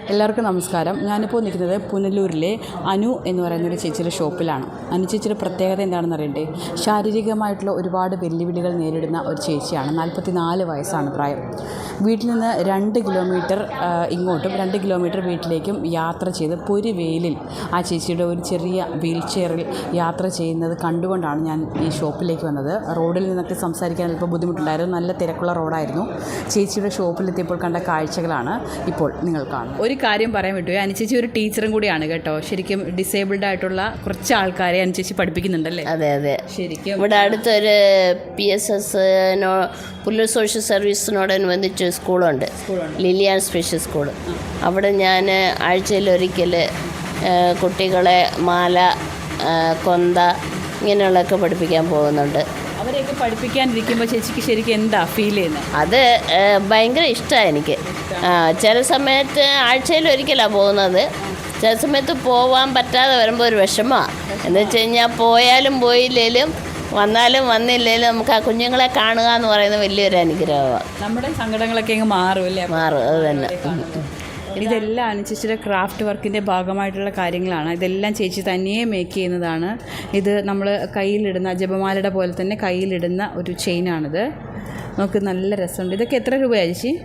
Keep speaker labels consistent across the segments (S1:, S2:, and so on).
S1: എല്ലാവർക്കും നമസ്കാരം. ഞാനിപ്പോൾ നിൽക്കുന്നത് പുനലൂരിലെ അനു എന്ന് പറയുന്നൊരു ചേച്ചിയുടെ ഷോപ്പിലാണ്. അനു ചേച്ചിയുടെ പ്രത്യേകത എന്താണെന്ന് അറിയണ്ടേ? ശാരീരികമായിട്ടുള്ള ഒരുപാട് വെല്ലുവിളികൾ നേരിടുന്ന ഒരു ചേച്ചിയാണ്. 44 വയസ്സാണ് പ്രായം. വീട്ടിൽ നിന്ന് 2 കിലോമീറ്റർ ഇങ്ങോട്ടും 2 കിലോമീറ്റർ വീട്ടിലേക്കും യാത്ര ചെയ്ത് പൊരിവെയിലിൽ ആ ചേച്ചിയുടെ ഒരു ചെറിയ വീൽ ചെയറിൽ യാത്ര ചെയ്യുന്നത് കണ്ടുകൊണ്ടാണ് ഞാൻ ഈ ഷോപ്പിലേക്ക് വന്നത്. റോഡിൽ നിന്നൊക്കെ സംസാരിക്കാൻ അല്പം ബുദ്ധിമുട്ടുണ്ടായിരുന്നു. നല്ല തിരക്കുള്ള റോഡായിരുന്നു. ചേച്ചിയുടെ ഷോപ്പിലെത്തിയപ്പോൾ കണ്ട കാഴ്ചകളാണ് ഇപ്പോൾ നിങ്ങൾ കാണുന്നത്. ഒരു കാര്യം പറയാൻ വിട്ടു, അനുചേച്ചി ഒരു ടീച്ചറും കൂടിയാണ് കേട്ടോ. ശരിക്കും ഡിസേബിൾഡ് ആയിട്ടുള്ള കുറച്ച് ആൾക്കാരെ അനുചേച്ചി പഠിപ്പിക്കുന്നുണ്ടല്ലേ?
S2: അതെ അതെ.
S1: ശരിക്കും
S2: ഇവിടെ അടുത്തൊരു PSS പുല്ലൂർ സോഷ്യൽ സർവീസിനോടനുബന്ധിച്ച് സ്കൂളുണ്ട്, ലിലിയാൻ സ്പെഷ്യൽ സ്കൂൾ. അവിടെ ഞാൻ ആഴ്ചയിലൊരിക്കൽ കുട്ടികളെ മാല, കൊന്ത ഇങ്ങനെയുള്ളതൊക്കെ പഠിപ്പിക്കാൻ പോകുന്നുണ്ട്.
S1: അവരെയൊക്കെ പഠിപ്പിക്കാനിരിക്കുമ്പോൾ ചേച്ചിക്ക് ശരിക്കും എന്താ ഫീൽ ചെയ്യുന്നത്?
S2: അത് ഭയങ്കര ഇഷ്ടമാണ് എനിക്ക്. ചില സമയത്ത് ആഴ്ചയിലൊരിക്കലാണ് പോകുന്നത്. ചില സമയത്ത് പോകാൻ പറ്റാതെ വരുമ്പോൾ ഒരു വിഷമമാണ്. എന്ന് വെച്ച് കഴിഞ്ഞാൽ പോയാലും പോയില്ലേലും വന്നാലും വന്നില്ലേലും നമുക്ക് ആ കുഞ്ഞുങ്ങളെ കാണുക എന്ന് പറയുന്നത് വലിയൊരു അനുഗ്രഹമാണ്.
S1: നമ്മുടെ സങ്കടങ്ങളൊക്കെ അങ്ങ് മാറും അല്ലേ?
S2: മാറും, അത് തന്നെ.
S1: ഇതെല്ലാം അനുചേച്ചിയുടെ ക്രാഫ്റ്റ് വർക്കിൻ്റെ ഭാഗമായിട്ടുള്ള കാര്യങ്ങളാണ്. ഇതെല്ലാം ചേച്ചി തനിയെ മേക്ക് ചെയ്യുന്നതാണ്. ഇത് നമ്മൾ കയ്യിലിടുന്ന ജപമാലയുടെ പോലെ തന്നെ കയ്യിലിടുന്ന ഒരു ചെയിനാണിത്. നമുക്ക് നല്ല രസമുണ്ട്. ഇതൊക്കെ എത്ര രൂപയാണ് ചേച്ചി?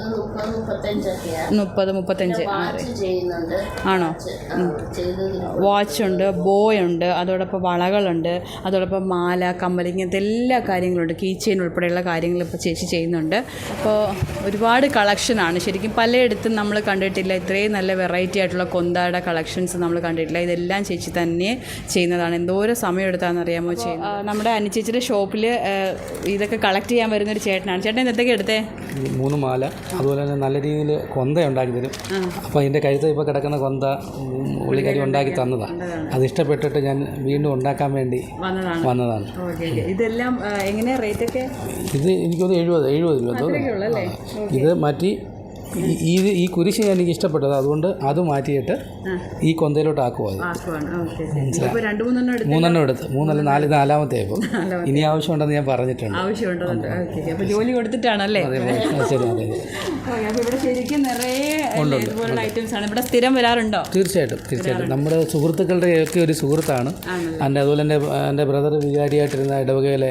S1: 30-35 ആണോ? വാച്ചുണ്ട്, ബോയുണ്ട്, അതോടൊപ്പം വളകളുണ്ട്, അതോടൊപ്പം മാല, കമ്മൽ, ഇങ്ങനത്തെ എല്ലാ കാര്യങ്ങളുണ്ട്. കീ ചെയിൻ ഉൾപ്പെടെയുള്ള കാര്യങ്ങൾ ഇപ്പോൾ ചേച്ചി ചെയ്യുന്നുണ്ട്. അപ്പോൾ ഒരുപാട് കളക്ഷനാണ്. ശരിക്കും പലയിടത്തും നമ്മൾ കണ്ടിട്ടില്ല ഇത്രയും നല്ല വെറൈറ്റി ആയിട്ടുള്ള കൊന്തയുടെ കളക്ഷൻസ് നമ്മൾ കണ്ടിട്ടില്ല. ഇതെല്ലാം ചേച്ചി തന്നെ ചെയ്യുന്നതാണ്. എന്തോരം സമയം എടുത്താണെന്നറിയാമോ ചെയ്യുന്നത്. നമ്മുടെ അനുചേച്ചിയുടെ ഷോപ്പിൽ ഇതൊക്കെ കളക്ട് ചെയ്യാൻ വരുന്നൊരു ചേട്ടനാണ്. ചേട്ടൻ എന്തൊക്കെ എടുത്തേ?
S3: 3 മാല, അതുപോലെ തന്നെ നല്ല രീതിയിൽ കൊന്ത ഉണ്ടാക്കി തരും. അപ്പോൾ അതിൻ്റെ കഴുത്ത് ഇപ്പോൾ കിടക്കുന്ന കൊന്ത പുള്ളിക്കാരി ഉണ്ടാക്കി തന്നതാണ്. അത് ഇഷ്ടപ്പെട്ടിട്ട് ഞാൻ വീണ്ടും ഉണ്ടാക്കാൻ വേണ്ടി വന്നതാണ്.
S1: ഇതെല്ലാം എങ്ങനെയാ റേറ്റ് ഒക്കെ?
S3: ഇത് എനിക്കൊന്ന് 70 രൂപ. ഇത് മാറ്റി ഈ കുരിശ് എനിക്ക് ഇഷ്ടപ്പെട്ടത്, അതുകൊണ്ട് അത് മാറ്റിയിട്ട് ഈ കൊന്തയിലോട്ട് ആക്കുവാണ്. 3 എടുത്ത് 3 നാലാമത്തെ ഇപ്പോൾ ഇനി ആവശ്യമുണ്ടെന്ന് ഞാൻ പറഞ്ഞിട്ടുണ്ട്.
S1: ജോലി കൊടുത്തിട്ടാണല്ലേ?
S3: ശരി, അതെ.
S1: ഇവിടെ ശരിക്കും നിറയെ ഐറ്റംസ് ആണ്. ഇവിടെ സ്ഥിരം വരാറുണ്ടോ?
S3: തീർച്ചയായിട്ടും നമ്മുടെ സുഹൃത്തുക്കളുടെയൊക്കെ ഒരു സുഹൃത്താണ്. അതുപോലെ എൻ്റെ ബ്രദർ വികാരിയായിട്ടിരുന്ന ഇടവകയിലെ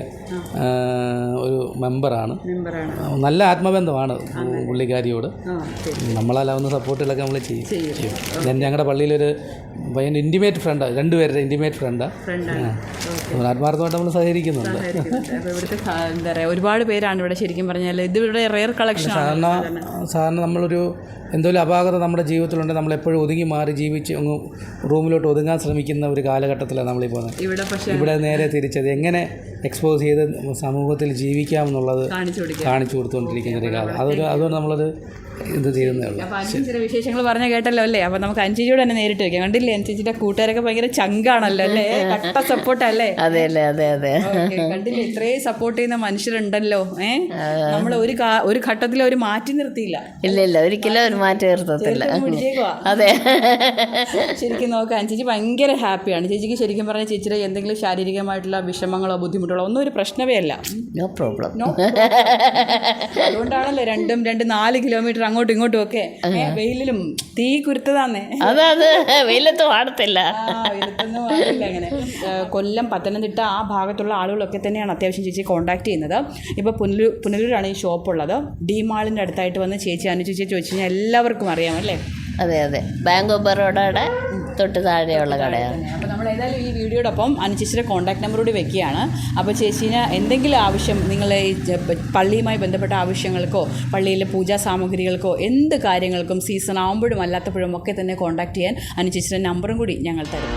S3: ഒരു മെമ്പറാണ്. നല്ല ആത്മബന്ധമാണ് പുള്ളിക്കാരിയോട്. നമ്മളാലാവുന്ന സപ്പോർട്ടുകളൊക്കെ നമ്മൾ ചെയ്യും. ഞാൻ ഞങ്ങളുടെ പള്ളിയിലൊരു ഭയങ്കര ഇൻറ്റിമേറ്റ് ഫ്രണ്ടാണ്, 2 പേരുടെ ഇൻറ്റിമേറ്റ് ഫ്രണ്ടാണ്. ആത്മാർത്ഥമായിട്ട് നമ്മൾ സഹകരിക്കുന്നുണ്ട്.
S1: എന്താ പറയുക, ഒരുപാട് പേരാണ് ഇവിടെ. ശരിക്കും പറഞ്ഞാൽ ഇത് ഇവിടെ റെയർ കളക്ഷൻ.
S3: സാധാരണ നമ്മളൊരു എന്തെങ്കിലും അപാകത നമ്മുടെ ജീവിതത്തിലുണ്ട്, നമ്മളെപ്പോഴും ഒതുങ്ങി മാറി ജീവിച്ച് അങ്ങ് റൂമിലോട്ട് ഒതുങ്ങാൻ ശ്രമിക്കുന്ന ഒരു കാലഘട്ടത്തിലാണ് നമ്മളിപ്പോൾ പോകുന്നത്. ഇവിടെ നേരെ തിരിച്ചത് എങ്ങനെ എക്സ്പോസ് ചെയ്ത് സമൂഹത്തിൽ ജീവിക്കാമെന്നുള്ളത് കാണിച്ചു കൊടുത്തുകൊണ്ടിരിക്കുന്ന ഒരു കാലം. അതുകൊണ്ട് നമ്മളത് ഇത് ചെയ്യുന്നേ ഉള്ളൂ.
S1: ചില വിശേഷങ്ങൾ പറഞ്ഞ കേട്ടല്ലോ അല്ലേ? അപ്പോൾ നമുക്ക് അഞ്ചിജിയോട് തന്നെ നേരിട്ട് വയ്ക്കാം. കണ്ടില്ലേ, അഞ്ചിജിയുടെ കൂട്ടുകാരൊക്കെ ഭയങ്കര ചങ്കാണല്ലോ അല്ലേ? കട്ട സപ്പോർട്ടല്ലേ?
S2: അതെ അല്ലേ? അതെ അതെ.
S1: കണ്ടില്ലേ, ഇത്രയും സപ്പോർട്ട് ചെയ്യുന്ന മനുഷ്യരുണ്ടല്ലോ. നമ്മൾ ഒരു ഘട്ടത്തിൽ അവർ മാറ്റി നിർത്തിയില്ല.
S2: ഇല്ല, ഒരിക്കലും ഒരു മാറ്റി നിർത്തത്തില്ല. അതെ.
S1: ശരിക്കും നോക്കാം, അഞ്ചിജി ഭയങ്കര ഹാപ്പിയാണ്. ചേച്ചിക്ക് ശരിക്കും പറഞ്ഞാൽ ചേച്ചിയുടെ എന്തെങ്കിലും ശാരീരികമായിട്ടുള്ള വിഷമങ്ങളോ ബുദ്ധിമുട്ടുകളോ ഒന്നും ഒരു പ്രശ്നമേ അല്ല.
S2: No problem.
S1: അതുകൊണ്ടാണല്ലോ 4 കിലോമീറ്റർ അങ്ങോട്ടും ഇങ്ങോട്ടും ഒക്കെ വെയിലിലും തീ കുരുത്തതാന്നേ.
S2: അതെ, വെയിലത്ത് പാടത്തില്ല.
S1: അങ്ങനെ കൊല്ലം, പത്തനംതിട്ട ആ ഭാഗത്തുള്ള ആളുകളൊക്കെ തന്നെയാണ് അത്യാവശ്യം ചേച്ചി കോൺടാക്ട് ചെയ്യുന്നത്. ഇപ്പോൾ പുനലൂരാണ് ഈ ഷോപ്പുള്ളത്. ഡി മാളിൻ്റെ അടുത്തായിട്ട് വന്ന് ചേച്ചി അനുചേച്ചി ചോദിച്ചു കഴിഞ്ഞാൽ എല്ലാവർക്കും അറിയാമല്ലേ?
S2: അതെ, ബാങ്ക് ഓഫ് ബറോഡയുടെ തൊട്ട് താഴെയുള്ള കടയാണ്.
S1: അപ്പോൾ നമ്മൾ ഏതായാലും ഈ വീഡിയോടൊപ്പം അനുചേച്ചിയുടെ കോൺടാക്ട് നമ്പർ കൂടി വെക്കുകയാണ്. അപ്പോൾ ചേച്ചീന് എന്തെങ്കിലും ആവശ്യം, നിങ്ങൾ ഈ പള്ളിയുമായി ബന്ധപ്പെട്ട ആവശ്യങ്ങൾക്കോ പള്ളിയിലെ പൂജാ സാമഗ്രികൾക്കോ എന്ത് കാര്യങ്ങൾക്കും സീസൺ ആകുമ്പോഴും അല്ലാത്തപ്പോഴും ഒക്കെ തന്നെ കോൺടാക്ട് ചെയ്യാൻ അനുചേച്ചിയുടെ നമ്പറും കൂടി ഞങ്ങൾ തരും.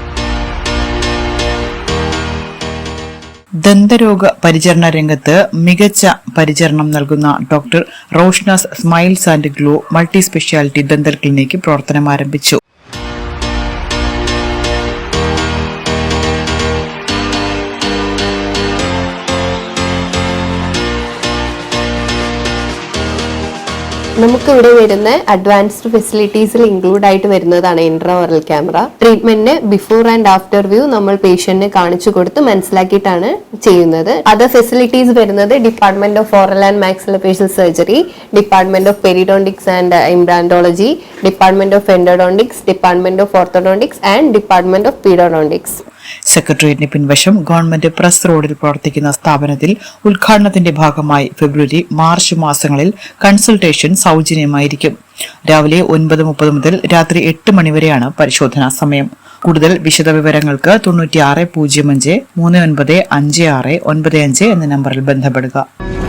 S4: ദന്തരോഗ പരിചരണ രംഗത്ത് മികച്ച പരിചരണം നൽകുന്ന doctor Roshna's smiles and glow multi speciality dental clinic പ്രവർത്തനം ആരംഭിച്ചു.
S5: നമുക്കിവിടെ വരുന്ന അഡ്വാൻസ്ഡ് ഫെസിലിറ്റീസിൽ ഇൻക്ലൂഡ് ആയിട്ട് വരുന്നതാണ് ഇൻട്രാ-ഓറൽ ക്യാമറ. ട്രീറ്റ്മെന്റിന് ബിഫോർ ആൻഡ് ആഫ്റ്റർ വ്യൂ നമ്മൾ പേഷ്യന്റിന് കാണിച്ചു കൊടുത്ത് മനസ്സിലാക്കിയിട്ടാണ് ചെയ്യുന്നത്. അതർ ഫെസിലിറ്റീസ് വരുന്നത് department of oral and maxillofacial surgery, department of periodontics and implantology, department of endodontics, department of orthodontics and department of pedodontics.
S4: സെക്രട്ടേറിയറ്റിന് പിൻവശം ഗവൺമെന്റ് പ്രസ് റോഡിൽ പ്രവർത്തിക്കുന്ന സ്ഥാപനത്തിൽ ഉദ്ഘാടനത്തിന്റെ ഭാഗമായി ഫെബ്രുവരി, മാർച്ച് മാസങ്ങളിൽ കൺസൾട്ടേഷൻ സൗജന്യമായിരിക്കും. രാവിലെ 9:30 മുതൽ രാത്രി 8 മണിവരെയാണ് പരിശോധനാ സമയം. കൂടുതൽ വിശദവിവരങ്ങൾക്ക് 9605 395695 എന്ന നമ്പറിൽ ബന്ധപ്പെടുക.